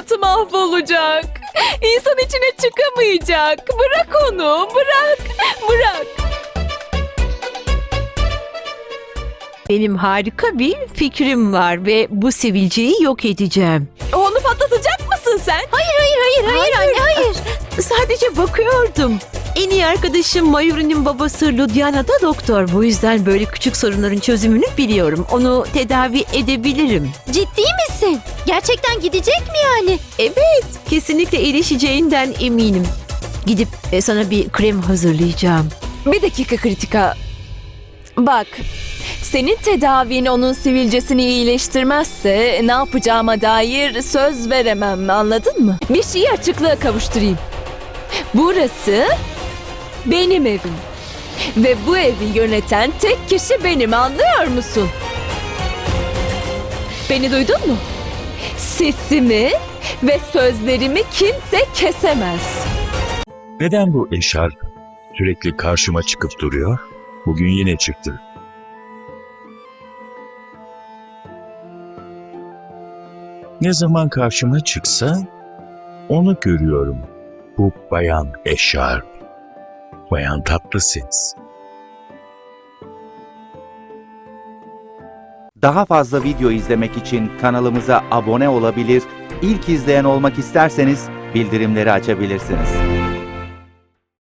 hayatı mahvolacak. İnsan içine çıkamayacak. Bırak onu, bırak, bırak. Benim harika bir fikrim var ve bu sivilceyi yok edeceğim. Onu patlatacak mısın sen? Hayır anne hayır. Sadece bakıyordum. En iyi arkadaşım Mayuri'nin babası Ludhiana da doktor. Bu yüzden böyle küçük sorunların çözümünü biliyorum. Onu tedavi edebilirim. Ciddi misin? Gerçekten gidecek mi yani? Evet, kesinlikle iyileşeceğinden eminim. Gidip sana bir krem hazırlayacağım. Bir dakika Kritika. Bak, senin tedavin onun sivilcesini iyileştirmezse ne yapacağıma dair söz veremem, anladın mı? Bir şeyi açıklığa kavuşturayım. Burası benim evim. Ve bu evi yöneten tek kişi benim, anlıyor musun? Beni duydun mu? Sesimi ve sözlerimi kimse kesemez. Neden bu eşarp sürekli karşıma çıkıp duruyor? Bugün yine çıktı. Ne zaman karşıma çıksa onu görüyorum. Bu bayan eşarp. Bayan Tatlısens. Daha fazla video izlemek için kanalımıza abone olabilir, ilk izleyen olmak isterseniz bildirimleri açabilirsiniz.